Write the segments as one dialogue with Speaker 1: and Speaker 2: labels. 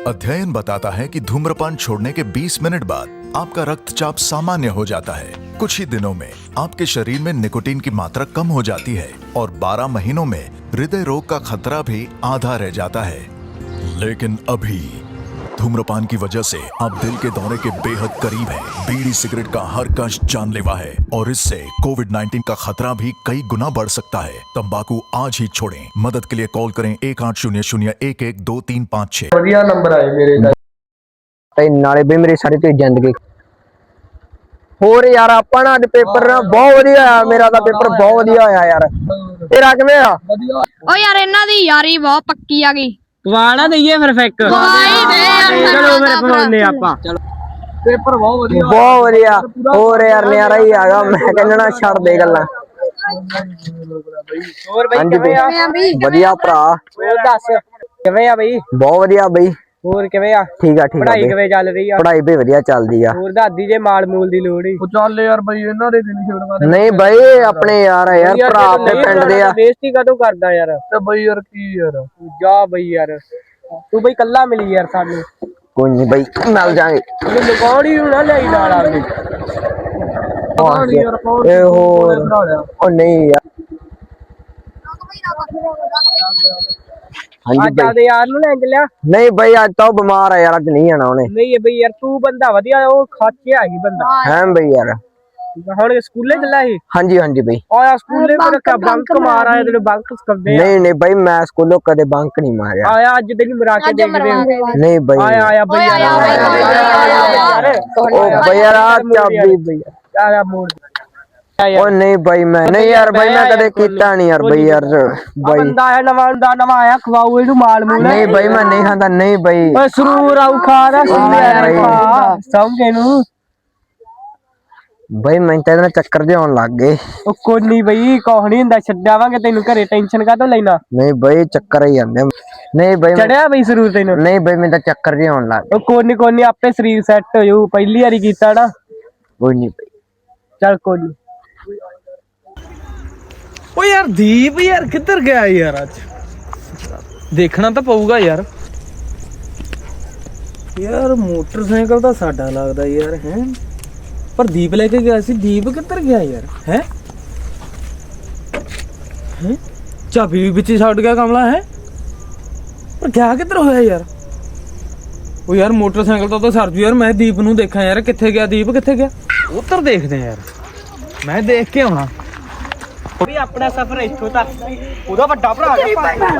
Speaker 1: अध्ययन बताता है कि धूम्रपान छोड़ने के 20 मिनट बाद आपका रक्तचाप सामान्य हो जाता है। कुछ ही दिनों में आपके शरीर में निकोटीन की मात्रा कम हो जाती है और 12 महीनों में हृदय रोग का खतरा भी आधा रह जाता है। लेकिन अभी धूम्रपान की वजह से आप दिल के दौरे के बेहद करीब हैं। बीड़ी सिगरेट का हर कष्ट जानलेवा है और इससे कोविड-19 का खतरा भी कई गुना बढ़ सकता है। तंबाकू आज ही छोड़ें। मदद के लिए कॉल करें 1800-112356।
Speaker 2: ਵਧੀਆ ਨੰਬਰ ਆਏ ਮੇਰੇ ਦਾ
Speaker 3: ਤੇ ਨਾਲੇ ਵੀ ਮੇਰੀ ਸਾਰੀ ਤੇ ਜ਼ਿੰਦਗੀ ਹੋਰ ਯਾਰ ਆਪਾਂ ਨਾ ਅੱਜ ਪੇਪਰ ਨਾ ਬਹੁਤ ਵਧੀਆ ਆ। ਮੇਰਾ ਤਾਂ ਪੇਪਰ ਬਹੁਤ ਵਧੀਆ ਹੋਇਆ ਯਾਰ। ਤੇਰਾ ਕਿਵੇਂ ਆ?
Speaker 2: ਵਧੀਆ
Speaker 4: ਓ ਯਾਰ ਇਹਨਾਂ ਦੀ ਯਾਰੀ ਬਹੁਤ ਪੱਕੀ ਆ ਗਈ।
Speaker 5: ਵਾਣਾ ਦਈਏ ਫਿਰ ਫਿੱਕ ਚਲੋ ਫਿਰ ਪਾਉਂਦੇ ਆਪਾਂ। ਚਲੋ
Speaker 2: ਪੇਪਰ ਬਹੁਤ ਵਧੀਆ
Speaker 3: ਬਹੁਤ ਵਧੀਆ ਹੋਰ ਯਾਰ ਨਿਆਰਾ ਹੀ ਆਗਾ। ਮੈਂ ਕਹਿੰਦਾ ਨਾ ਛੱਡ ਦੇ ਗੱਲਾਂ।
Speaker 5: ਹੋਰ ਬਈ
Speaker 3: ਹਾਂਜੀ
Speaker 5: ਕਿਵੇਂ ਆ?
Speaker 3: ਵਧੀਆ ਭਰਾ।
Speaker 5: ਹੋਰ ਦੱਸ ਕਿਵੇਂ ਆ ਬਈ?
Speaker 3: ਬਹੁਤ ਵਧੀਆ ਬਈ।
Speaker 5: ਹੋਰ ਕਿਵੇਂ ਆ?
Speaker 3: ਠੀਕ ਆ ਠੀਕ ਆ
Speaker 5: ਪੜ੍ਹਾਈ
Speaker 3: ਬਈ।
Speaker 5: ਕਿਵੇਂ ਚੱਲ ਰਹੀ ਆ?
Speaker 3: ਪੜ੍ਹਾਈ ਵੀ ਵਧੀਆ ਚੱਲਦੀ ਆ।
Speaker 5: ਹੋਰ ਦਾਦੀ ਜੇ ਮਾਲ ਮੂਲ ਦੀ ਲੋੜ ਹੀ
Speaker 2: ਉਹ ਚੱਲ ਯਾਰ ਬਈ ਇਹਨਾਂ ਦੇ ਦਿਨ ਸ਼ਿਵਰਮਾ ਦੇ
Speaker 3: ਨਹੀਂ ਬਈ ਆਪਣੇ ਯਾਰ ਆ ਯਾਰ ਭਰਾ ਆਪਣੇ ਪਿੰਡ ਦੇ ਆ।
Speaker 5: ਬੇਇੱਜ਼ਤੀ ਕਦੋਂ ਕਰਦਾ ਯਾਰ?
Speaker 2: ਤੇ ਬਈ ਯਾਰ ਕੀ ਯਾਰ
Speaker 5: ਜਾ ਬਈ ਯਾਰ ਤੂੰ ਬਈ ਕੱਲਾ ਮਿਲੀ ਯਾਰ ਸਾਨੂੰ।
Speaker 3: ਕੋਈ ਨਹੀਂ ਬਈ ਮਿਲ ਜਾਾਂਗੇ।
Speaker 5: ਤੂੰ ਲਗਾਉਣੀ ਨੂੰ ਨਾ ਲਈ ਨਾਲ ਆਵੇ।
Speaker 2: ਯਾਰ ਕੌਣ
Speaker 3: ਇਹ ਹੋਰ
Speaker 2: ਬਣਾ ਲਿਆ
Speaker 3: ਉਹ ਨਹੀਂ ਯਾਰ। ਹਾਂਜੀ
Speaker 5: ਅੱਜ
Speaker 3: ਬਈ
Speaker 5: ਆਦੇ ਯਾਰ ਨੂੰ ਲੈ ਲਿਆ।
Speaker 3: ਨਹੀਂ ਬਈ ਅੱਜ ਤਾਂ ਉਹ ਬਿਮਾਰ ਆ ਯਾਰ। ਅੱਜ ਨਹੀਂ ਆਣਾ ਉਹਨੇ।
Speaker 5: ਨਹੀਂ ਬਈ ਯਾਰ ਤੂੰ ਬੰਦਾ ਵਧੀਆ ਉਹ ਖਾਚਿਆ ਹੀ ਬੰਦਾ
Speaker 3: ਹੈ ਬਈ ਯਾਰ।
Speaker 5: ਹੁਣ ਸਕੂਲੇ ਚੱਲਾ ਸੀ।
Speaker 3: ਹਾਂਜੀ ਹਾਂਜੀ ਬਈ।
Speaker 5: ਆਇਆ ਸਕੂਲੇ ਮੇਰਾ ਕਾ ਬੰਕ ਮਾਰ ਆਇਆ ਤੈਨੂੰ ਬੰਕ ਸਿਖਾਉਂਦੇ ਆ।
Speaker 3: ਨਹੀਂ ਨਹੀਂ ਬਈ ਮੈਂ ਸਕੂਲੋਂ ਕਦੇ ਬੰਕ ਨਹੀਂ ਮਾਰਿਆ।
Speaker 5: ਆਇਆ ਅੱਜ ਤੈਨੂੰ ਮਰਾ ਕੇ ਦੇਖਦੇ ਆ।
Speaker 3: ਨਹੀਂ ਬਈ
Speaker 5: ਆਇਆ ਆਇਆ ਬਈ ਯਾਰ
Speaker 3: ਉਹ ਬਈ ਯਾਰ ਆ ਚਾਬੀ ਬਈ
Speaker 5: ਆਇਆ ਮੋੜ
Speaker 3: ਉਹ ਨਹੀਂ ਬਈ ਮੈਂ ਨਹੀਂ ਯਾਰ ਬਈ ਮੈਂ ਕਦੇ ਕੀਤਾ ਨਹੀਂ ਯਾਰ ਬਈ ਯਾਰ ਬਈ
Speaker 5: ਬੰਦਾ ਆਇਆ ਨਵਾਂ ਆਇਆ ਖਵਾਓ ਇਹਨੂੰ ਮਾਲ ਮੂਲ।
Speaker 3: ਨਹੀਂ ਬਈ ਮੈਂ ਨਹੀਂ ਖਾਂਦਾ। ਨਹੀਂ ਬਈ
Speaker 5: ਓਏ ਸਰੂਰ ਆਉ ਖਾ ਦਾ ਸਮਝੇ ਨੂੰ
Speaker 3: ਬਈ ਮੈਂ ਤਾਂ ਇਹਦੇ ਨਾਲ ਚੱਕਰ ਜਿਹਾ ਆਉਣ ਲੱਗ ਗਏ।
Speaker 5: ਉਹ ਕੋਈ ਨਹੀਂ ਬਈ ਕੁਛ ਨਹੀਂ ਹੁੰਦਾ ਛੱਡਾਵਾਂਗੇ ਤੈਨੂੰ ਘਰੇ ਟੈਨਸ਼ਨ ਕਾਹਤੋਂ ਲੈਣਾ।
Speaker 3: ਨਹੀਂ ਬਈ ਚੱਕਰ ਹੀ ਆਉਂਦੇ। ਨਹੀਂ ਬਈ
Speaker 5: ਚੜਿਆ ਬਈ ਸਰੂਰ ਤੈਨੂੰ?
Speaker 3: ਨਹੀਂ ਬਈ ਮੈਂ ਤਾਂ ਚੱਕਰ ਜਿਹਾ ਆਉਣ ਲੱਗ
Speaker 5: ਉਹ ਕੋਈ ਨਹੀਂ ਆਪੇ ਸਰੀਰ ਸੈੱਟ ਹੋ ਜਾਊ। ਪਹਿਲੀ ਵਾਰੀ ਕੀਤਾ ਨਾ।
Speaker 3: ਕੋਈ ਨਹੀਂ ਬਈ।
Speaker 5: ਚੱਲ ਕੋਈ ਨੀ।
Speaker 6: ਓ यार दीप यार किधर गया यार? आज देखना तो पऊगा यार। यार मोटरसाइकिल तो साडा लगदा यार है पर दीप लेके गया सी। दीप किधर गया यार? है चाबी भी पिछे छड़ गया कमला है पर क्या किधर होया यार? ओ यार मोटरसाइकिल तो सरजू यार। मैं दीप नूं देखा यार किथे गया? दीप किथे गया? उधर देखदे यार। मैं देख के आउणा
Speaker 5: ਵੀ ਆਪਣਾ ਸਫ਼ਰ ਇੱਥੋਂ ਤੱਕ ਉਹਦਾ ਵੱਡਾ ਭਰਾ
Speaker 6: यार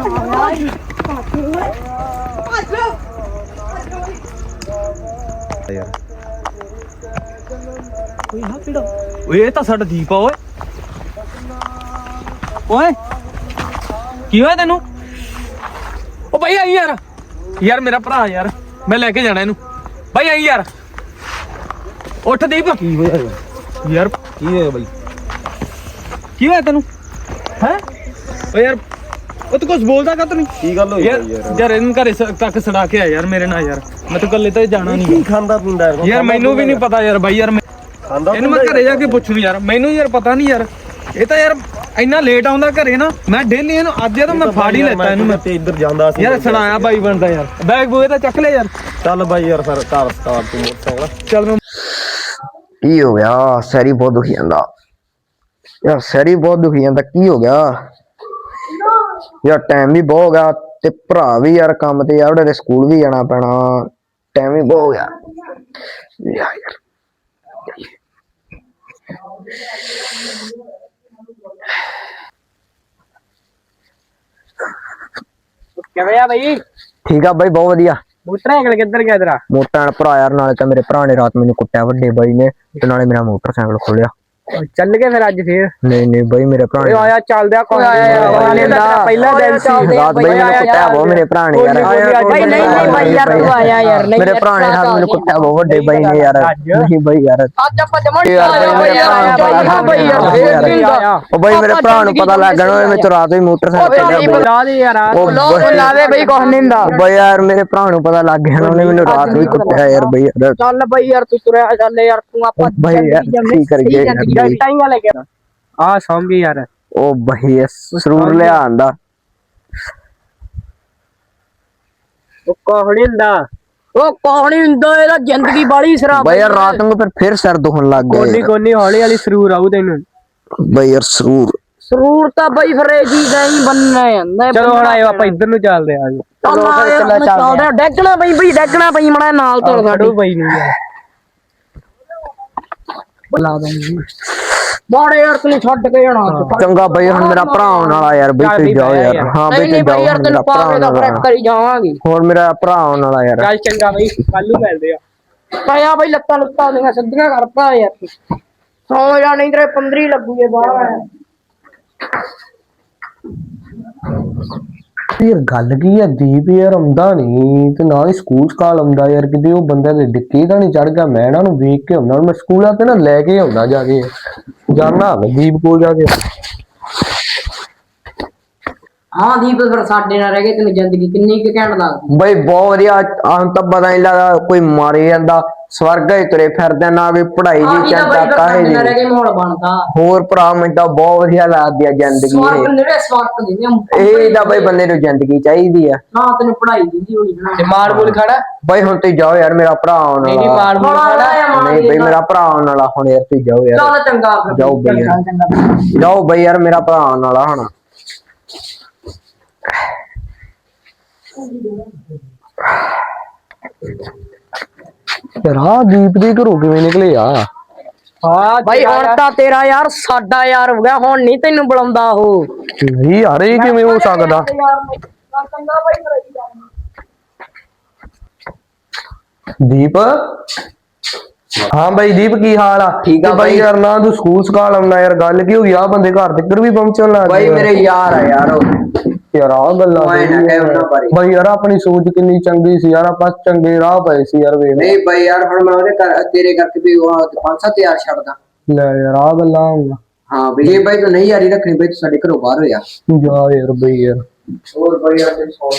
Speaker 6: कोई हां पीड़ा ओए ਤਾਂ ਸਾਡਾ ਦੀਪ ਆ। ਓਏ ਓਏ ਕੀ ਹੋਇਆ ਤੈਨੂੰ? ਓ ਭਾਈ ਆਈ ਯਾਰ। ਯਾਰ ਮੇਰਾ ਭਰਾ ਯਾਰ ਮੈਂ ਲੈ ਕੇ ਜਾਣਾ ਇਹਨੂੰ। ਭਾਈ ਆਈ ਯਾਰ। ਉੱਠ ਦੀਪ। ਕੀ ਹੋਇਆ ਯਾਰ? ਕੀ ਹੋਇਆ ਭਾਈ? ਕੀ ਹੋਇਆ ਤੈਨੂੰ? ਹੈ ਓ ਯਾਰ ਉਹ ਤੂੰ ਕੁਝ ਬੋਲਦਾ ਕਾ? ਤੂੰ ਕੀ ਗੱਲ ਹੋਈ ਯਾਰ? ਯਾਰ ਇਹਨੂੰ ਘਰੇ ਤੱਕ ਸੜਾ ਕੇ ਆ ਯਾਰ ਮੇਰੇ ਨਾਲ ਯਾਰ। ਮੈਂ ਤਾਂ ਕੱਲੇ ਤਾਂ ਜਾਣਾ ਨਹੀਂ।
Speaker 2: ਕੀ ਖਾਂਦਾ ਪੀਂਦਾ
Speaker 6: ਯਾਰ ਮੈਨੂੰ ਵੀ ਨਹੀਂ ਪਤਾ ਯਾਰ ਬਾਈ ਯਾਰ। ਇਹਨੂੰ ਮੈਂ ਘਰੇ ਜਾ ਕੇ ਪੁੱਛੂ ਯਾਰ। ਮੈਨੂੰ ਯਾਰ ਪਤਾ ਨਹੀਂ ਯਾਰ। ਇਹ ਤਾਂ ਯਾਰ ਇੰਨਾ ਲੇਟ ਆਉਂਦਾ ਘਰੇ ਨਾ। ਮੈਂ ਡੇਲੀ ਇਹਨੂੰ ਅੱਜ ਤਾਂ ਮੈਂ ਫਾੜ ਹੀ ਲੈਤਾ ਇਹਨੂੰ। ਮੈਂ
Speaker 2: ਤੇ ਇੱਧਰ ਜਾਂਦਾ ਸੀ
Speaker 6: ਯਾਰ ਸੁਣਾਇਆ ਬਾਈ ਬਣਦਾ ਯਾਰ। ਬੈਗ ਬੂਏ ਤਾਂ ਚੱਕ ਲੈ ਯਾਰ।
Speaker 2: ਚੱਲ ਬਾਈ ਯਾਰ ਫਿਰ ਕਾਰ ਸਟਾਰਟ ਤੂੰ ਮੋਟਰਸਾਈਕਲ
Speaker 6: ਚੱਲ ਮੈਂ
Speaker 3: ਕੀ ਹੋ ਗਿਆ? ਸੈਰੀ ਬਹੁਤ ਦੁਖੀ ਜਾਂਦਾ ਯਾਰ। ਸੈਰੀ ਬਹੁਤ ਦੁਖੀ ਜਾਂਦਾ। ਕੀ ਹੋ ਗਿਆ ਯਾਰ? ਟਾਈਮ ਵੀ ਬਹੁਤ ਹੋ ਗਿਆ ਤੇ ਭਰਾ ਵੀ ਯਾਰ ਕੰਮ ਤੇ ਯਾਰ ਉਹਦੇ ਸਕੂਲ ਵੀ ਜਾਣਾ ਪੈਣਾ। ਟਾਈਮ ਵੀ ਬਹੁਤ ਹੋ ਗਿਆ ਯਾਰ।
Speaker 5: ਕਿਵੇਂ ਆ ਬਈ?
Speaker 3: ਠੀਕ ਆ ਬਾਈ ਬਹੁਤ ਵਧੀਆ।
Speaker 5: ਮੋਟਰਸਾਈਕਲ ਕਿੱਧਰ ਗਿਆ ਤੇਰਾ?
Speaker 3: ਮੋਟਰ ਭਰਾ ਯਾਰ ਨਾਲੇ ਤਾਂ ਮੇਰੇ ਭਰਾ ਨੇ ਰਾਤ ਮੈਨੂੰ ਕੁੱਟਿਆ ਵੱਡੇ ਬਾਈ ਨੇ ਤੇ ਨਾਲੇ ਮੇਰਾ ਮੋਟਰਸਾਈਕਲ ਖੋਲਿਆ।
Speaker 5: ਚੱਲ ਗਏ ਫਿਰ ਅੱਜ ਫੇਰ?
Speaker 3: ਨਹੀਂ ਨਹੀਂ ਬਾਈ ਮੇਰੇ ਭਰਾ ਨੇ
Speaker 5: ਆਇਆ ਚੱਲਦਿਆ ਕੋਈ ਆਇਆ ਪਹਿਲਾ ਦਿਨ ਸੀ।
Speaker 3: ਰਾਤ ਬਾਈ ਮੈਨੂੰ ਕੁੱਟਿਆ ਬਹੁਤ ਮੇਰੇ ਭਰਾ ਨੇ ਯਾਰ।
Speaker 5: ਬਾਈ ਨਹੀਂ ਬਾਈ ਯਾਰ ਤੂੰ ਆਇਆ ਯਾਰ। ਨਹੀਂ
Speaker 3: ਮੇਰੇ ਭਰਾ ਨੇ ਰਾਤ ਮੈਨੂੰ ਕੁੱਟਿਆ ਬਹੁਤ ਵੱਡੇ ਬਾਈ ਨੇ ਯਾਰ। ਨਹੀਂ ਬਾਈ ਯਾਰ।
Speaker 5: ਅੱਜ ਆਪਾਂ ਜਮਣ
Speaker 3: ਉਹ ਬਾਈ ਮੇਰੇ ਭਰਾ ਨੂੰ ਪਤਾ ਲੱਗ ਜਾਣਾ ਮੈਂ ਰਾਤ ਵੀ ਮੋਟਰਸਾਈਕਲ
Speaker 5: ਲਾ ਦੇ ਯਾਰ।
Speaker 3: ਉਹ
Speaker 5: ਲਾਵੇ ਬਈ ਕੁਛ ਨਹੀਂ ਹੁੰਦਾ।
Speaker 3: ਬਾਈ ਯਾਰ ਮੇਰੇ ਭਰਾ ਨੂੰ ਪਤਾ ਲੱਗ ਗਿਆ ਉਹਨੇ ਮੈਨੂੰ ਰਾਤ ਵੀ ਕੁੱਟਿਆ ਯਾਰ ਬਾਈ ਯਾਰ।
Speaker 5: ਚੱਲ ਬਈ ਯਾਰ ਤੂੰ ਤੁਰਿਆ ਚੱਲ ਯਾਰ। ਤੂੰ ਆਪਾਂ
Speaker 3: ਬਾਈ ਯਾਰ ਕੀ ਕਰੀਏ
Speaker 5: ਜੰਟਾਂ ਹੀ ਲੈ ਕੇ ਆ ਸੌਂਗੀ ਯਾਰ।
Speaker 3: ਉਹ ਬਾਈ ਸਰੂਰ ਲਿਆ ਆਂਦਾ।
Speaker 5: ਉਹ ਕੁਛ ਨੀ ਹੁੰਦਾ।
Speaker 7: ਉਹ ਕੁਛ ਨੀ ਹੁੰਦਾ, ਇਹਦਾ ਜ਼ਿੰਦਗੀ ਬਾਲੀ ਸ਼ਰਾਬ
Speaker 3: ਬਈ ਯਾਰ ਰਾਤ ਨੂੰ ਫਿਰ ਸਿਰ ਦੁਖਣ ਲੱਗ
Speaker 5: ਕੋਨੀ
Speaker 3: ਗਿਆ
Speaker 5: ਕੋਨੀ ਹੌਲੀ ਹੌਲੀ ਸਰੂਰ ਆਊ ਤੈਨੂੰ।
Speaker 3: ਬਈ ਯਾਰ ਸਰੂਰ
Speaker 7: ਸਰੂਰ ਤਾਂ ਬਈ ਫਿਰ ਇਹ ਚੀਜ਼ ਐਂ ਹੀ ਬੰਨਣਾ ਜਾਂਦਾ।
Speaker 5: ਚਲੋ ਹੁਣ ਆਇਓ ਆਪਾਂ ਇੱਧਰ ਨੂੰ ਚੱਲਦੇ ਆ ਜੀ।
Speaker 7: ਚੱਲਦੇ ਡੈਗਣਾ ਪਈ ਬਈ, ਡੈਗਣਾ ਪਈ ਮੜਾ ਨਾਲ ਤੁਰ ਸਾਡੀ
Speaker 5: ਬਈ ਨੂੰ ਯਾਰ
Speaker 7: ਬੁਲਾ ਦੂੰਗੀ ਬਾੜੇ ਯਾਰ ਤੈਨੂੰ ਛੱਡ ਕੇ ਜਾਣਾ।
Speaker 3: ਚੰਗਾ ਬਈ ਹੁਣ ਮੇਰਾ ਭਰਾ ਆਉਣ ਵਾਲਾ ਯਾਰ ਬਈ ਤੁਸੀਂ ਜਾਓ ਯਾਰ। ਹਾਂ ਬਈ
Speaker 7: ਨਹੀਂ
Speaker 3: ਤੁਸੀਂ
Speaker 7: ਬਈ
Speaker 3: ਜਾਓ
Speaker 7: ਯਾਰ
Speaker 3: ਮੇਰਾ
Speaker 7: ਤੈਨੂੰ
Speaker 3: ਭਰਾ
Speaker 7: ਪਾਵੇ ਦਾ
Speaker 3: ਆਉਣ
Speaker 7: ਫਰਕ
Speaker 3: ਵਾਲਾ
Speaker 7: ਕਰੀ ਜਾਵਾਂਗੇ।
Speaker 3: ਹੋਰ ਮੇਰਾ ਭਰਾ ਆਉਣ ਵਾਲਾ ਯਾਰ।
Speaker 5: ਚੱਲ ਚੰਗਾ ਬਈ ਕੱਲ ਨੂੰ ਮਿਲਦੇ ਆ।
Speaker 7: ਤਾਇਆ ਬਈ ਲੱਤਾਂ ਲੁੱਤਾਂ ਦੀਆਂ ਸਿੱਧੀਆਂ ਕਰਦਾ ਯਾਰ। ਸੌ ਜਾ ਨਹੀਂ ਤੇਰੇ 15 ਲੱਗੂਗੇ ਬਾਹਰ।
Speaker 2: ਯਾਰ ਗੱਲ ਕੀ ਹੈ ਦੀਪ ਯਾਰ ਆਉਂਦਾ ਨਹੀਂ ਤੇ ਨਾਲ ਹੀ ਸਕੂਲ ਸਕਾਲ ਆਉਂਦਾ ਯਾਰ, ਕਿਤੇ ਉਹ ਬੰਦੇ ਦੇ ਡਿੱਕੀ ਤਾਂ ਨਹੀਂ ਚੜ ਗਿਆ। ਮੈਂ ਇਹਨਾਂ ਨੂੰ ਵੇਖ ਕੇ ਆਉਂਦਾ, ਮੈਂ ਸਕੂਲਾਂ ਤੇ ਨਾ ਲੈ ਕੇ ਆਉਂਦਾ ਜਾ ਕੇ ਜਾਨਾ ਦੀਪ ਕੋਲ ਜਾ ਕੇ।
Speaker 7: ਹਾਂ ਦੀਪ ਫਿਰ ਸਾਡੇ ਨਾਲ ਰਹਿ ਗਏ, ਤੈਨੂੰ ਜ਼ਿੰਦਗੀ ਕਿੰਨੀ ਕੁ ਘੈਂਟ ਲੱਗਦੀ।
Speaker 3: ਬਈ ਬਹੁਤ ਵਧੀਆ। ਆਹ ਤਾਂ ਪਤਾ ਨਹੀਂ ਲੱਗਦਾ ਕੋਈ ਮਾਰੇ ਜਾਂਦਾ, ਸਵਰਗ ਹੀ ਤੁਰੇ ਫਿਰਦੇ ਨਾ ਕੋਈ ਪੜ੍ਹਾਈ ਦੀ ਚਿੰਤਾ ਕਾਹੇ ਦੀ।
Speaker 7: ਰਹਿ ਗਏ ਮਾਹੌਲ ਬਣਦਾ
Speaker 3: ਹੋਰ ਭਰਾ ਮੈਨੂੰ ਤਾਂ ਬਹੁਤ ਵਧੀਆ ਲੱਗਦੀ ਆ ਜ਼ਿੰਦਗੀ
Speaker 7: ਸਵਾਰਕ ਨੇੜੇ ਸਵਾਰਕ ਦੀ
Speaker 3: ਇਹ ਤਾਂ ਬਈ ਬੰਦੇ ਨੂੰ ਜ਼ਿੰਦਗੀ ਚਾਹੀਦੀ ਆ
Speaker 7: ਨਾ। ਤੈਨੂੰ ਪੜ੍ਹਾਈ ਦੀ ਹੋਣੀ ਨਾ
Speaker 5: ਤੇ ਮਾਰ ਬੋਲ ਖੜਾ
Speaker 3: ਬਈ ਹੁਣ ਤੁਸੀਂ ਜਾਓ ਯਾਰ, ਮੇਰਾ ਭਰਾ ਆਉਣ
Speaker 5: ਨਹੀਂ
Speaker 3: ਵਾਲਾ।
Speaker 5: ਮਾਰ ਬੋਲ ਖੜਾ।
Speaker 3: ਨਹੀਂ ਬਈ ਮੇਰਾ ਭਰਾ ਆਉਣ ਵਾਲਾ ਹੁਣ ਯਾਰ, ਤੁਸੀਂ ਜਾਓ ਯਾਰ।
Speaker 7: ਚੱਲ ਚੰਗਾ ਫਿਰ।
Speaker 3: ਜਾਓ ਬਈ ਯਾਰ, ਜਾਓ ਬਈ ਯਾਰ, ਮੇਰਾ ਭਰਾ ਆਉਣ ਵਾਲਾ ਹੁਣ।
Speaker 2: ਯਾਰ ਆਹ ਦੀਪ ਦੇ ਘਰੋਂ ਕਿਵੇਂ ਨਿਕਲੇ ਆ?
Speaker 5: ਹਾਂ
Speaker 7: ਬਾਈ ਹੁਣ ਤਾਂ ਤੇਰਾ ਯਾਰ ਸਾਡਾ ਯਾਰ ਹੋ ਗਿਆ, ਹੁਣ ਨਹੀਂ ਤੈਨੂੰ ਬੁਲਾਉਂਦਾ ਉਹ।
Speaker 2: ਨਹੀਂ ਯਾਰ ਇਹ ਕਿਵੇਂ ਹੋ ਸਕਦਾ? ਦੀਪ ਹਾਂ ਬਾਈ ਦੀਪ ਕੀ ਹਾਲ ਆ?
Speaker 3: ਠੀਕ ਆ
Speaker 2: ਤੇ
Speaker 3: ਬਾਈ।
Speaker 2: ਯਾਰ ਨਾ ਤੂੰ ਸਕੂਲ ਸਕਾਲ ਆਉਣਾ ਯਾਰ, ਗੱਲ ਕੀ ਹੋ ਗਈ? ਆ ਬੰਦੇ ਘਰ ਤੱਕ ਵੀ ਪਹੁੰਚਣ ਲੱਗ
Speaker 3: ਬਈ
Speaker 2: ਗਏ।
Speaker 3: ਮੇਰੇ ਯਾਰ ਆ ਯਾਰ ਉਹ।
Speaker 2: ਯਾਰ ਆ ਗੱਲਾਂ
Speaker 3: ਮੈਂ ਨਾ ਕਹਿ ਉਹਨਾਂ ਬਾਰੇ।
Speaker 2: ਬਾਈ ਯਾਰ ਆਪਣੀ ਸੋਚ ਕਿੰਨੀ ਚੰਗੀ ਸੀ ਯਾਰ, ਆਪਾਂ ਚੰਗੇ ਰਾਹ ਪਏ ਸੀ ਯਾਰ ਵੇਖ।
Speaker 3: ਨਹੀਂ ਬਈ ਯਾਰ ਹੁਣ ਮੈਂ ਉਹਦੇ ਤੇਰੇ ਕਰਕੇ ਵੀ ਉਹ 5-7 ਹਜ਼ਾਰ ਛੱਡਦਾ।
Speaker 2: ਲੈ ਯਾਰ ਆ ਗੱਲਾਂ ਹੋਈਆਂ।
Speaker 3: ਹਾਂ ਬਈ ਜੇ ਬਈ ਤੂੰ ਨਹੀਂ ਯਾਰੀ ਰੱਖਣੀ ਬਈ ਤੂੰ ਸਾਡੇ ਘਰੋਂ ਬਾਹਰ ਹੋਇਆ।
Speaker 2: ਜਾ ਯਾਰ ਬਈ ਯਾਰ।
Speaker 3: ਹੋਰ ਬਈ ਯਾਰ ਤੈਨੂੰ ਸੌਂ।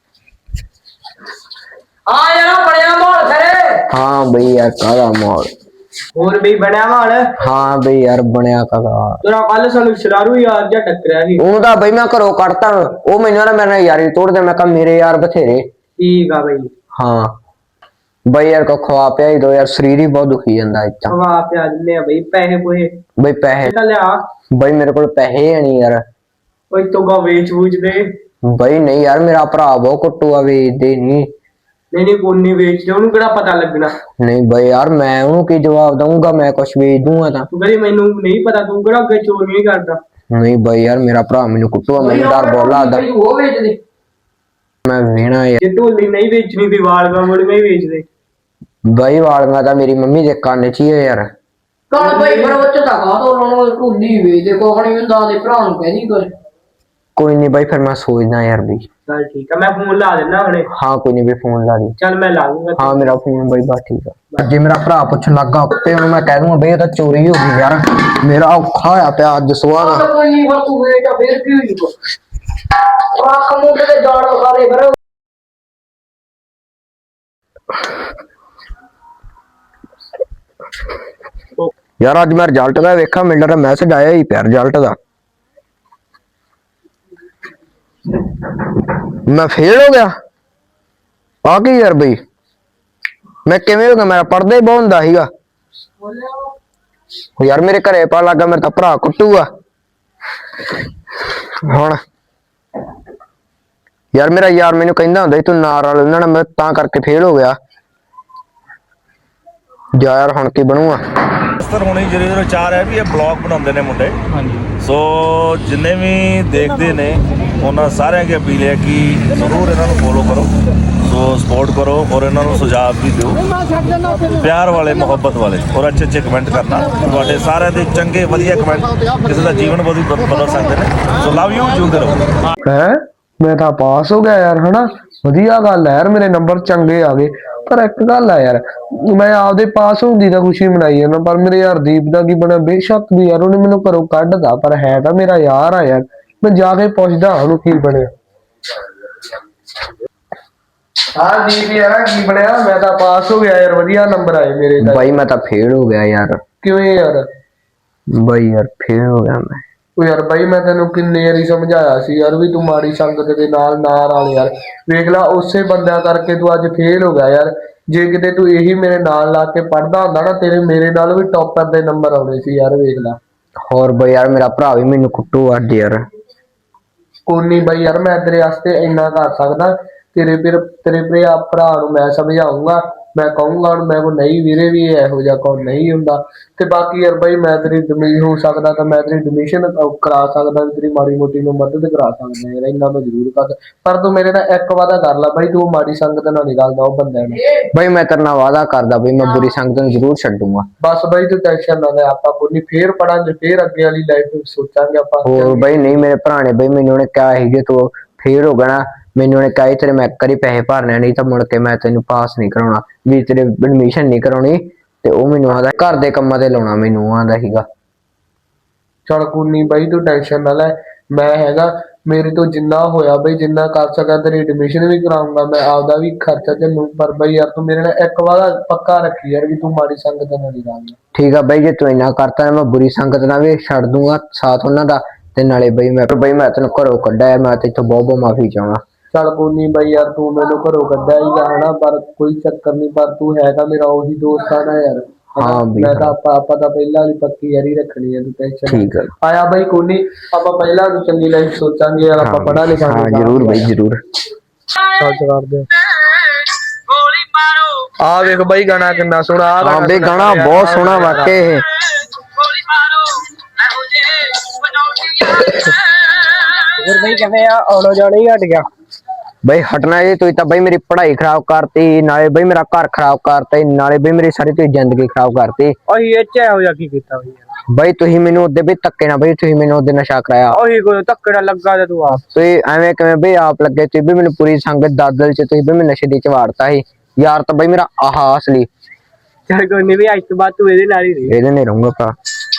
Speaker 7: ਹਾਂ ਯਾਰ ਬੜਿਆ ਮਾਹੌਲ ਖਰੇ।
Speaker 3: ਹਾਂ ਬਈ ਯਾਰ ਕਾਹਦਾ ਮਾਹੌਲ।
Speaker 5: ਹੋਰ ਬਈ ਬਣਿਆ ਮਾਲ।
Speaker 3: ਹਾਂ ਬਈ ਯਾਰ ਬਣਿਆ ਕਾਹਦਾ।
Speaker 5: ਤੇਰਾ ਕੱਲ ਸਾਨੂੰ ਸ਼ਰਾਰੂ ਯਾਰ ਜਾਂ ਟੱਕਰਿਆ ਸੀ।
Speaker 3: ਉਹ ਤਾਂ ਬਈ ਮੈਂ ਘਰੋਂ ਕੱਢਤਾ, ਉਹ ਮੈਨੂੰ ਨਾ ਮੇਰੇ ਨਾਲ ਯਾਰੀ ਤੋੜਦੇ। ਮੈਂ ਕਿਹਾ ਮੇਰੇ ਯਾਰ ਬਥੇਰੇ।
Speaker 5: ਠੀਕ ਆ ਬਈ।
Speaker 3: ਹਾਂ ਬਈ ਯਾਰ ਕੋ ਖਵਾ ਪਿਆ ਹੀ ਦੋ ਯਾਰ, ਸਰੀਰ ਹੀ ਬਹੁਤ ਦੁਖੀ ਜਾਂਦਾ ਇੱਥੇ।
Speaker 5: ਖਵਾ ਪਿਆ ਦਿੰਦੇ ਆ ਬਈ, ਪੈਸੇ ਪੋਹੇ
Speaker 3: ਬਈ ਪੈਸੇ
Speaker 5: ਤਾਂ ਲਿਆ।
Speaker 3: ਬਈ ਮੇਰੇ ਕੋਲ ਪੈਸੇ ਨਹੀਂ ਯਾਰ।
Speaker 5: ਕੋਈ ਤੋਗਾ ਵੇਚ ਵੂਚ ਦੇ।
Speaker 3: ਬਈ ਨਹੀਂ ਯਾਰ ਮੇਰਾ ਭਰਾ ਬਹੁਤ ਕੁੱਟੂਆ, ਵੇਚਦੇ ਨਹੀਂ।
Speaker 5: ਨਹੀਂ ਕੋਨੀ ਵੇਚ ਦੇ, ਉਹਨੂੰ ਕਿਹੜਾ ਪਤਾ ਲੱਗਣਾ।
Speaker 3: ਨਹੀਂ ਬਈ ਯਾਰ ਮੈਂ ਉਹਨੂੰ ਕੀ ਜਵਾਬ ਦਊਂਗਾ? ਮੈਂ ਕੁਛ ਵੇਚ ਦੂੰਗਾ ਤਾਂ।
Speaker 5: ਤੂੰ ਕਹਿੰਦੀ ਮੈਨੂੰ ਨਹੀਂ ਪਤਾ, ਤੂੰ ਕਿਹੜਾ ਅੱਗੇ ਚੋਰੀ ਨਹੀਂ ਕਰਦਾ।
Speaker 3: ਨਹੀਂ ਬਈ ਯਾਰ ਮੇਰਾ ਭਰਾ ਮੈਨੂੰ ਕੁੱਟੂਆ, ਮੈਨੂੰ ਡਰ ਬਹੁਤ ਲੱਗਦਾ।
Speaker 7: ਉਹ ਵੇਚ ਦੇ।
Speaker 3: ਮੈਂ ਵੇਣਾ ਯਾਰ।
Speaker 5: ਜੇ ਢੋਲੀ ਨਹੀਂ ਵੇਚਣੀ ਤੇ ਵਾਲਗਾ ਮੁੜੀਆਂ ਹੀ ਵੇਚ ਦੇ।
Speaker 3: ਬਈ ਵਾਲੀਆਂ ਤਾਂ ਮੇਰੀ ਮੰਮੀ ਦੇ ਕੰਨ 'ਚ ਹੀ ਆ ਯਾਰ।
Speaker 7: ਕੱਲ ਬਈ ਫਿਰ ਉਹ ਚ ਤਾਂ ਕਾਹ ਤੋਂ ਉਹਨਾਂ ਨੂੰ ਢੁੱਲੀ ਵੇਚ ਦੇ, ਕੋਖ ਨਹੀਂ ਹੁੰਦਾ ਦੇ ਭਰਾ ਨੂੰ ਕਹਿ ਨਹੀਂ ਕੁਝ।
Speaker 3: ਕੋਈ ਨਹੀਂ ਬਈ ਫਿਰ ਮੈਂ ਸੋਚਦਾ ਯਾਰ ਵੀ।
Speaker 5: ਚੱਲ ਠੀਕ ਆ, ਮੈਂ ਫੋਨ ਲਾ ਦਿੰਦਾ ਹੁਣੇ।
Speaker 3: ਹਾਂ ਕੋਈ ਨਹੀਂ ਵੀ ਫੋਨ ਲਾ ਦੀ।
Speaker 5: ਚੱਲ ਮੈਂ ਲਾ ਦੂੰਗਾ।
Speaker 3: ਹਾਂ ਮੇਰਾ ਫੋਨ ਬਈ ਬਸ ਠੀਕ ਆ। ਜੇ ਮੇਰਾ ਭਰਾ ਪੁੱਛਣ ਲੱਗਾ ਤੇ ਉਹਨੂੰ ਮੈਂ ਕਹਿ ਦੂੰਗਾ ਬਈ ਇਹ ਤਾਂ ਚੋਰੀ ਹੋ ਗਈ ਯਾਰ, ਮੇਰਾ ਔਖਾ ਹੋਇਆ ਪਿਆ ਅੱਜ ਸੁਬਾਹ ਦਾ।
Speaker 7: ਕੋਈ ਨਹੀਂ ਫਿਰ ਤੂੰ ਵੇਚ ਆ, ਫਿਰ ਕੀ ਹੋਈ ਕੋ ਆਖ ਮੁੰਡੇ ਤੇ ਜਾਣੋ ਸਾਰੇ ਫਿਰ।
Speaker 3: ਯਾਰ ਅੱਜ ਮੈਂ ਰਿਜ਼ਲਟ ਦਾ ਵੇਖਾਂ, ਮਿਲ ਰਿਹਾ ਮੈਸੇਜ ਆਇਆ ਹੀ ਪਿਆ ਰਿਜ਼ਲਟ ਦਾ। ਮੈਂ ਫੇਲ ਹੋ ਗਿਆ। ਆ ਕੀ ਯਾਰ ਬਈ ਮੈਂ ਕਿਵੇਂ ਹੋ ਗਿਆ? ਮੇਰਾ ਪੜ੍ਹਦਾ ਹੀ ਬਹੁਤ ਹੁੰਦਾ ਸੀਗਾ ਯਾਰ। ਮੇਰੇ ਘਰੇ ਪਾ ਲੱਗਾ ਮੇਰਾ ਤਾਂ ਭਰਾ ਕੁੱਟੂਗਾ ਹੁਣ। ਯਾਰ ਮੇਰਾ ਯਾਰ ਮੈਨੂੰ ਕਹਿੰਦਾ ਹੁੰਦਾ ਸੀ ਤੂੰ ਨਾਲ ਵਾਲ ਉਹਨਾਂ ਨਾਲ, ਮੈਂ ਤਾਂ ਕਰਕੇ ਫੇਲ ਹੋ ਗਿਆ। ਜਾ ਯਾਰ ਹੁਣ ਕੀ ਬਣੂਗਾ?
Speaker 8: ਸਰ ਹੁਣੇ ਜਿਹੜੇ ਚਾਰ ਹੈ ਵੀ ਇਹ ਬਲੌਗ ਬਣਾਉਂਦੇ ਨੇ ਮੁੰਡੇ। ਹਾਂਜੀ ਸੋ ਜਿੰਨੇ ਵੀ ਦੇਖਦੇ ਨੇ ਉਹਨਾਂ ਸਾਰਿਆਂ ਦੀ ਅਪੀਲ ਹੈ ਕਿ ਜ਼ਰੂਰ ਇਹਨਾਂ ਨੂੰ ਫੋਲੋ ਕਰੋ, ਸੋ ਸਪੋਰਟ ਕਰੋ ਔਰ ਇਹਨਾਂ ਨੂੰ ਸੁਝਾਅ ਵੀ ਦਿਓ ਪਿਆਰ ਵਾਲੇ, ਮੁਹੱਬਤ ਵਾਲੇ ਔਰ ਅੱਛੇ ਅੱਛੇ ਕਮੈਂਟ ਕਰਨਾ। ਤੁਹਾਡੇ ਸਾਰਿਆਂ ਦੇ ਚੰਗੇ ਵਧੀਆ ਕਮੈਂਟ ਕਿਸੇ ਦਾ ਜੀਵਨ ਬਦਲ ਸਕਦੇ ਨੇ। ਸੋ ਲਵ ਯੂ, ਜਿਉਂਦੇ ਰਹੋ।
Speaker 2: ਹੈ ਮੈਂ ਤਾਂ ਪਾਸ ਹੋ ਗਿਆ ਯਾਰ, ਹਨਾ ਵਧੀਆ ਗੱਲ ਹੈ ਯਾਰ, ਮੇਰੇ ਨੰਬਰ ਚੰਗੇ ਆ ਗਏ। ਪਰ ਇੱਕ ਗੱਲ ਆ ਯਾਰ, ਮੈਂ ਆਪਦੇ ਪਾਸ ਹੁੰਦੀ ਤਾਂ ਖੁਸ਼ੀ ਮਨਾਈ ਜਾਂਦਾ, ਪਰ ਮੇਰੇ ਯਾਰ ਦੀਪ ਦਾ ਕੀ ਬਣਿਆ? ਬੇਸ਼ੱਕ ਵੀ ਯਾਰ ਉਹਨੇ ਮੈਨੂੰ ਘਰੋਂ ਕੱਢਦਾ, ਪਰ ਹੈ ਤਾਂ ਮੇਰਾ ਯਾਰ ਆ ਯਾਰ। ਮੈਂ ਜਾ ਕੇ ਪੁੱਛਦਾ ਉਹਨੂੰ ਕੀ ਬਣਿਆ। ਹਾਂ ਦੀਪ ਯਾਰ ਕੀ ਬਣਿਆ? ਮੈਂ ਤਾਂ ਪਾਸ ਹੋ ਗਿਆ ਯਾਰ, ਵਧੀਆ ਨੰਬਰ ਆਏ ਮੇਰੇ ਤਾਂ।
Speaker 3: ਬਾਈ ਮੈਂ ਤਾਂ ਫੇਲ ਹੋ ਗਿਆ ਯਾਰ।
Speaker 2: ਕਿਵੇਂ ਯਾਰ?
Speaker 3: ਬਾਈ ਯਾਰ ਫੇਲ ਹੋ ਗਿਆ ਮੈਂ।
Speaker 2: ਉਹ ਯਾਰ ਬਾਈ ਮੈਂ ਤੈਨੂੰ ਕਿੰਨੇ ਵਾਰੀ ਸਮਝਾਇਆ ਸੀ ਯਾਰ ਵੀ ਤੂੰ ਮਾੜੀ ਸੰਗਤ ਦੇ ਨਾਲ ਨਾ ਰਲ ਯਾਰ। ਵੇਖ ਲਾ ਉਸੇ ਬੰਦਿਆਂ ਕਰਕੇ ਤੂੰ ਅੱਜ ਫੇਲ ਹੋ ਗਿਆ ਯਾਰ। ਜੇ ਕਿਤੇ ਤੂੰ ਇਹੀ ਮੇਰੇ ਨਾਲ ਲਾ ਕੇ ਪੜਦਾ ਹੁੰਦਾ ਨਾ ਤੇਰੇ ਮੇਰੇ ਨਾਲ ਵੀ ਟੌਪਰ ਦੇ ਨੰਬਰ ਆਉਣੇ ਸੀ ਯਾਰ। ਵੇਖ ਲਾ।
Speaker 3: ਹੋਰ ਬਈ ਯਾਰ ਮੇਰਾ ਭਰਾ ਵੀ ਮੈਨੂੰ ਕੁੱਟੂ ਅੱਡ ਯਾਰ।
Speaker 2: ਕੋਈ ਨੀ ਬਾਈ ਯਾਰ ਮੈਂ ਤੇਰੇ ਵਾਸਤੇ ਇੰਨਾ ਕਰ ਸਕਦਾ। ਤੇਰੇ ਭਰਾ ਨੂੰ ਮੈਂ ਸਮਝਾਉਂਗਾ। ਮੈਂ ਕਹੂੰਗਾ ਹੁਣ ਮੈਂ ਕੋ ਨਹੀਂ ਵੀਰੇ ਵੀ ਇਹੋ ਜਿਹਾ ਕੋਈ ਨਹੀਂ ਹੁੰਦਾ। ਤੇ ਬਾਕੀ ਯਾਰ ਬਾਈ ਮੈਂ ਤੇਰੀ ਹੋ ਸਕਦਾ ਤਾਂ ਮੈਂ ਤੇਰੀ ਐਡਮਿਸ਼ਨ ਕਰਾ ਸਕਦਾ। ਤੇਰੀ ਮਾੜੀ ਮੋਟੀ ਨੂੰ ਮਦਦ ਕਰਾ ਸਕਦਾ ਯਾਰ। ਇੰਨਾ ਮੈਂ ਜ਼ਰੂਰ ਕਰ। ਪਰ ਤੂੰ ਮੇਰੇ ਨਾਲ ਇੱਕ ਵਾਦਾ ਕਰ ਲੈ ਬਾਈ ਤੂੰ ਮਾੜੀ ਸੰਗਤ ਨਾਲ ਨਹੀਂ ਰਲਦਾ ਉਹ ਬੰਦਿਆਂ ਨੂੰ।
Speaker 3: ਬਈ ਮੈਂ ਤੇਰੇ ਨਾਲ ਵਾਅਦਾ ਕਰਦਾ ਬਈ ਮੈਂ ਬੁਰੀ ਸੰਗਤ ਨੂੰ ਜ਼ਰੂਰ ਛੱਡੂਗਾ।
Speaker 2: ਬਸ ਬਾਈ ਤੂੰ ਟੈਨਸ਼ਨ ਨਾ ਲੈ। ਆਪਾਂ ਕੋਈ ਨੀ ਫੇਰ ਪੜਾਂਗੇ ਫੇਰ ਅੱਗੇ ਵਾਲੀ ਲਾਈਫ ਸੋਚਾਂਗੇ ਆਪਾਂ।
Speaker 3: ਹੋਰ ਬਈ ਨਹੀਂ ਮੇਰੇ ਭਰਾ ਨੇ ਬਈ ਮੈਨੂੰ ਉਹਨੇ ਕਿਹਾ ਸੀ ਜੇ ਤੂੰ ਫੇਰ ਹੋ ਗਿਆ ਨਾ ਮੈਨੂੰ ਉਹਨੇ ਕਿਹਾ ਤੇਰੇ ਮੈਂ ਇੱਕ ਵਾਰੀ ਪੈਸੇ ਭਰਨੇ ਨਹੀਂ ਤਾਂ ਮੁੜ ਕੇ ਮੈਂ ਤੈਨੂੰ ਪਾਸ ਨਹੀਂ ਕਰਾਉਣਾ ਵੀ ਤੇਰੇ ਐਡਮਿਸ਼ਨ ਨਹੀਂ ਕਰਾਉਣੀ। ਤੇ ਉਹ ਮੈਨੂੰ ਆਦਾ ਘਰ ਦੇ ਕੰਮਾਂ ਤੇ ਲਾਉਣਾ ਮੈਨੂੰ ਆਂਦਾ ਸੀਗਾ।
Speaker 2: ਚੱਲ ਕੋਈ ਨੀ ਬਾਈ ਤੂੰ ਟੈਨਸ਼ਨ ਨਾ ਲੈ। ਮੈਂ ਹੈਗਾ ਮੇਰੇ ਤੋਂ ਜਿੰਨਾ ਹੋਇਆ ਬਈ ਜਿੰਨਾ ਕਰ ਸਕਾਂ ਤੇਰੀ ਐਡਮਿਸ਼ਨ ਵੀ ਕਰਾਉਂਗਾ। ਮੈਂ ਆਪਦਾ ਵੀ ਖਰਚਾ ਝੱਲੂ। ਪਰ ਬਈ ਯਾਰ ਤੂੰ ਮੇਰੇ ਨਾਲ ਇੱਕ ਵਾਦਾ ਪੱਕਾ ਰੱਖੀ ਯਾਰ ਵੀ ਤੂੰ ਮਾੜੀ ਸੰਗਤ ਨਾਲ ਨਹੀਂ ਰਲਦਾ।
Speaker 3: ਠੀਕ ਆ ਬਈ ਜੇ ਤੂੰ ਇੰਨਾ ਕਰਤਾ ਮੈਂ ਬੁਰੀ ਸੰਗਤ ਨਾਲ ਵੀ ਛੱਡ ਦੂੰਗਾ ਸਾਥ ਉਹਨਾਂ ਦਾ। ਤੇ ਨਾਲੇ ਬਈ ਮੈਂ ਤੈਨੂੰ ਘਰੋਂ ਕੱਢਿਆ ਯਾਰ। ਮੈਂ ਤੇਥੋਂ ਬਹੁਤ ਮਾਫੀ ਚਾਹੁੰਦਾ।
Speaker 2: ਚੱਲ ਕੋਈ ਨੀ ਬਾਈ ਯਾਰ ਤੂੰ ਮੈਨੂੰ ਘਰੋਂ ਕੱਢਿਆ ਹੀਗਾ ਹਨਾ ਪਰ ਕੋਈ ਚੱਕਰ ਨੀ। ਪਰ ਤੂੰ ਹੈਗਾ ਮੇਰਾ ਉਹੀ ਦੋਸਤ ਆ ਨਾ ਯਾਰ।
Speaker 3: ਹਾਂ ਬਈ
Speaker 2: ਮੈਂ ਤਾਂ ਆਪਾਂ ਤਾਂ ਪਹਿਲਾਂ ਵਾਲੀ ਪੱਕੀ ਯਾਰੀ ਰੱਖਣੀ ਹੈ। ਤੂੰ ਟੈਨਸ਼ਨ
Speaker 3: ਠੀਕ ਆ
Speaker 2: ਆਇਆ ਬਾਈ ਕੋਈ ਨੀ ਆਪਾਂ ਪਹਿਲਾਂ ਨੂੰ ਚੰਗੀ ਲਾਈਫ ਸੋਚਾਂਗੇ ਯਾਰ। ਆਪਾਂ ਪੜ੍ਹਾ ਲਿਖਾ
Speaker 3: ਹਾਂ ਜ਼ਰੂਰ ਬਈ ਜ਼ਰੂਰ।
Speaker 2: ਸੱਚ ਕਰਦੇ ਆ ਵੇਖ ਬਾਈ ਗਾਣਾ ਕਿੰਨਾ ਸੋਹਣਾ।
Speaker 3: ਹਾਂ ਬਈ ਗਾਣਾ ਬਹੁਤ ਸੋਹਣਾ ਵਾਕਿਆ ਇਹ।
Speaker 5: ਹੋਰ ਬਈ ਕਿਵੇਂ ਆ ਆਉਣੋ ਜਾਣਾ ਹੀ ਹਟ ਗਿਆ।
Speaker 3: ਬਈ ਹਟਣਾ ਜੀ ਤੁਸੀਂ ਤਾਂ ਬਈ ਮੇਰੀ ਪੜ੍ਹਾਈ ਖਰਾਬ ਕਰਤੀ ਨਾਲੇ ਬਈ ਮੇਰਾ ਘਰ ਖਰਾਬ ਕਰਤਾ ਨਾਲੇ ਬਈ ਮੇਰੀ ਸਾਰੀ ਤੁਸੀਂ ਜ਼ਿੰਦਗੀ ਖਰਾਬ ਕਰਤੀ।
Speaker 5: ਉਹੀ ਇਹ ਚ ਇਹੋ ਜਿਹਾ ਕੀ ਕੀਤਾ ਬਈ
Speaker 3: ਬਈ ਤੁਸੀਂ ਮੈਨੂੰ ਉਹਦੇ ਵੀ ਧੱਕੇ ਨਾ ਬਈ ਤੁਸੀਂ ਮੈਨੂੰ ਉਹਦੇ ਨਸ਼ਾ ਕਰਾਇਆ।
Speaker 5: ਉਹੀ ਕੋਈ ਧੱਕੇ ਨਾਲ ਲੱਗਾ ਤੇ ਤੂੰ ਆਪ
Speaker 3: ਤੁਸੀਂ ਐਵੇਂ ਕਿਵੇਂ ਬਈ ਆਪ ਲੱਗੇ ਤੁਸੀਂ ਵੀ ਮੈਨੂੰ ਪੂਰੀ ਸੰਗਤ ਦਾਦਲ ਚ ਤੁਸੀਂ ਵੀ ਮੈਨੂੰ ਨਸ਼ੇ ਦੀ ਚਵਾੜਤਾ ਸੀ ਯਾਰ। ਤਾਂ ਬਈ ਮੇਰਾ ਆਹ ਅਸਲੀ
Speaker 5: ਚੱਲ ਕੋਈ ਨੀ ਵੀ ਅੱਜ ਤੋਂ ਬਾਅਦ ਤੂੰ ਇਹਦੇ ਨਾਲ ਹੀ ਰਹੀ।
Speaker 3: ਇਹਦੇ ਨਹੀਂ ਰਹੂੰਗਾ ਭਰਾ।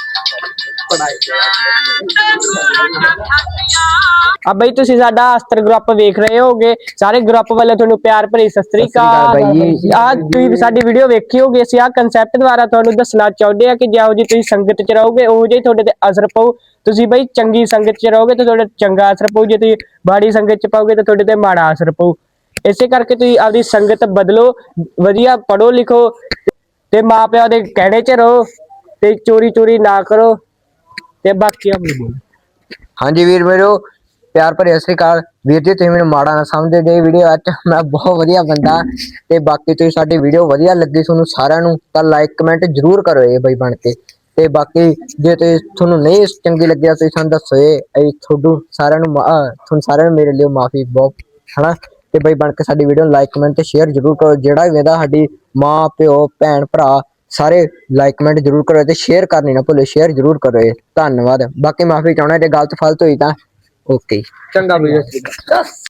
Speaker 5: ਆ ਬਈ ਤੁਸੀਂ ਸਾਡਾ ਅਸਤਰ ਗਰੁੱਪ ਵੇਖ ਰਹੇ ਹੋਗੇ। ਸਾਰੇ ਗਰੁੱਪ ਵੱਲੋਂ ਤੁਹਾਨੂੰ ਪਿਆਰ ਭਰੀ ਸਤਿ ਸ੍ਰੀ ਅਕਾਲ। ਆ ਤੁਸੀਂ ਸਾਡੀ ਵੀਡੀਓ ਵੇਖੀ ਹੋਗੀ। ਅਸੀਂ ਆ ਕਨਸੈਪਟ ਦੁਆਰਾ ਤੁਹਾਨੂੰ ਦੱਸਣਾ ਚਾਹੁੰਦੇ ਆ ਕਿ ਜਿਹੋ ਜੀ ਤੁਸੀਂ ਸੰਗਤ ਚ ਰਹੋਗੇ ਉਹ ਜਿਹੀ ਤੁਹਾਡੇ ਤੇ ਅਸਰ ਪਊ। ਤੁਸੀਂ ਬਈ ਚੰਗੀ ਸੰਗਤ ਚ ਰਹੋਗੇ ਤਾਂ ਤੁਹਾਡੇ ਚੰਗਾ ਅਸਰ ਪਊ। ਜੇ ਤੁਸੀਂ ਮਾੜੀ ਸੰਗਤ ਚ ਪਾਓਗੇ ਤਾਂ ਤੁਹਾਡੇ ਤੇ ਮਾੜਾ ਅਸਰ ਪਊ। ਇਸੇ ਕਰਕੇ ਤੁਸੀਂ ਆਪਦੀ ਸੰਗਤ ਬਦਲੋ। ਵਧੀਆ ਪੜ੍ਹੋ ਲਿਖੋ ਤੇ ਮਾਂ ਪਿਓ ਦੇ ਕਹਿਣੇ ਚ ਰਹੋ ਤੇ ਚੋਰੀ ਨਾ ਕਰੋ। ਤੇ ਬਾਕੀ ਆਪਣੀ ਬੋਲ।
Speaker 3: ਹਾਂਜੀ ਵੀਰ ਮੇਰੋ ਪਿਆਰ ਭਰੀ ਸਤਿ ਸ੍ਰੀ ਅਕਾਲ। ਵੀਰ ਜੀ ਤੁਸੀਂ ਮੈਨੂੰ ਮਾੜਾ ਨਾ ਸਮਝਦੇ ਜੇ ਵੀਡੀਓ ਅੱਜ ਮੈਂ ਬਹੁਤ ਵਧੀਆ ਬੰਦਾ। ਤੇ ਬਾਕੀ ਤੁਸੀਂ ਸਾਡੀ ਵੀਡੀਓ ਵਧੀਆ ਲੱਗੀ ਤੁਹਾਨੂੰ ਸਾਰਿਆਂ ਨੂੰ ਤਾਂ ਲਾਈਕ ਕਮੈਂਟ ਜ਼ਰੂਰ ਕਰੋ ਇਹ ਬਈ ਬਣ ਕੇ। ਤੇ ਬਾਕੀ ਜੇ ਤੁਹਾਨੂੰ ਨਹੀਂ ਚੰਗੀ ਲੱਗਿਆ ਤੁਸੀਂ ਸਾਨੂੰ ਦੱਸੋ। ਇਹ ਤੁਹਾਨੂੰ ਸਾਰਿਆਂ ਨੂੰ ਮੇਰੇ ਲਈ ਮਾਫੀ ਬਹੁਤ ਹਨਾ। ਤੇ ਬਈ ਬਣ ਕੇ ਸਾਡੀ ਵੀਡੀਓ ਨੂੰ ਲਾਈਕ ਕਮੈਂਟ ਤੇ ਸ਼ੇਅਰ ਜ਼ਰੂਰ ਕਰੋ। ਜਿਹੜਾ ਵੀ ਇਹਦਾ ਸਾਡੀ ਮਾਂ ਪਿਓ ਭੈਣ ਭਰਾ ਸਾਰੇ ਲਾਈਕ ਕਮੈਂਟ ਜ਼ਰੂਰ ਕਰੋ ਤੇ ਸ਼ੇਅਰ ਕਰਨੀ ਨਾ ਭੁੱਲੋ। ਸ਼ੇਅਰ ਜ਼ਰੂਰ ਕਰੋ। ਧੰਨਵਾਦ। ਬਾਕੀ ਮਾਫੀ ਚਾਹੁੰਦਾ ਜੇ ਗਲਤ ਫਲਤ ਹੋਈ ਤਾਂ ਓਕੇ
Speaker 2: ਚੰਗਾ ਬਈ।